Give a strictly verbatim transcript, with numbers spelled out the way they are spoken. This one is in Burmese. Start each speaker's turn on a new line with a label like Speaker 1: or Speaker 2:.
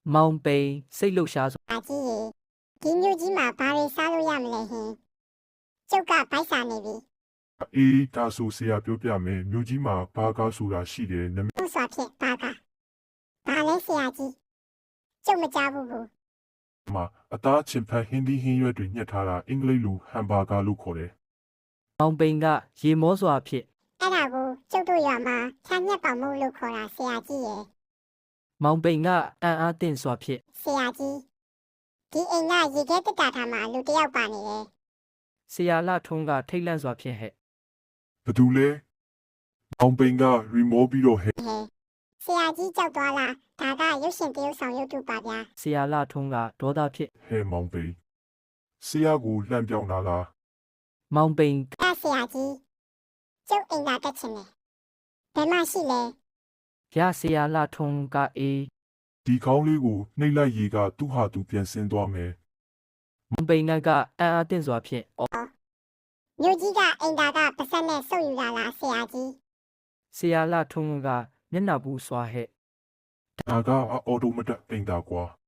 Speaker 1: မောင်ပိန်စိတ်လှုပ်ရှားစွာ
Speaker 2: အကြီးရေဒီမျိုးကြီးမှာဘာတွေစားလို့ရမလဲဟင်ကျုပ်ကဗိုက်စာနေပြီ
Speaker 3: အေးဒါဆိုဆရာပြောပြမယ်မြို့ကြီးမှာဘာကားဆိုတာရှိတယ်နမ
Speaker 2: သူ့စွာဖြင့်ဘာကဘာလဲဆရာကြီးကျုပ်မကြားဘူးဘူး
Speaker 3: မှာအသားချင်ဖက်ဟင်းသီးဟင်းရွက်တွေညှက်ထားတာအင်္ဂလိပ်လိုဟမ်ဘာဂါလို့ခေါ်တယ်
Speaker 1: မောင်ပိန်ကရေမောစွာဖြင့်
Speaker 2: အဲ့ဒါကိုကျုပ်တို့ရွာမှာခြံညက်ပေါင်မို့လို့ခေါ်တာဆရာကြီးရေ
Speaker 1: မောင်ပိန်ကအံ့အားသင့်စွာဖြင့်
Speaker 2: ဆရာကြီးဒီအိမ်ကရေခဲတက်တာထားမှာလူတစ်ယောက်ပါနေတယ်
Speaker 1: ဆရာလှထွန်းကထိတ်လန့်စွာဖြင့်ဟဲ့
Speaker 3: ဘသူလဲမောင်ပိန်ကရီမောပြီးတော့ဟဲ့
Speaker 2: ဟဲဆရာကြီးကြောက်သွားလားဒါကရုပ်ရှင်တရုပ်ဆောင်ရုပ်တုပါဗျာ
Speaker 1: ဆရာလှထွန်းကဒေါသဖြင့်
Speaker 3: ဟဲ့မောင်ပိန်ဆရာကိုလှမ်းပြောင်းလာလား
Speaker 1: မောင်ပိန်
Speaker 2: အဲ့ဆရာကြီးကျုပ်အိမ်ကတက်ချင်တယ်ဘယ်မှရှိလဲ
Speaker 1: ရဆရာလှထွန်းကအေး
Speaker 3: ဒီကောင်းလေးကိုနှိပ်လိုက်ရေကသူ့ဟာသူပြန်ဆင်းသွားမယ်
Speaker 1: မောင်ပိန်ကအံ့အားသင့်စွာဖြင့်အော်
Speaker 2: မြို့ကြီးကအိမ်သာကပါဆက်နဲ့စုပ်ယူလာလားဆရာကြီး
Speaker 1: ဆရာလှထွန်းကမျက်နှာပူစွာဟဲ့
Speaker 3: ဒါကအော်တိုမတက်အိမ်သာကွာ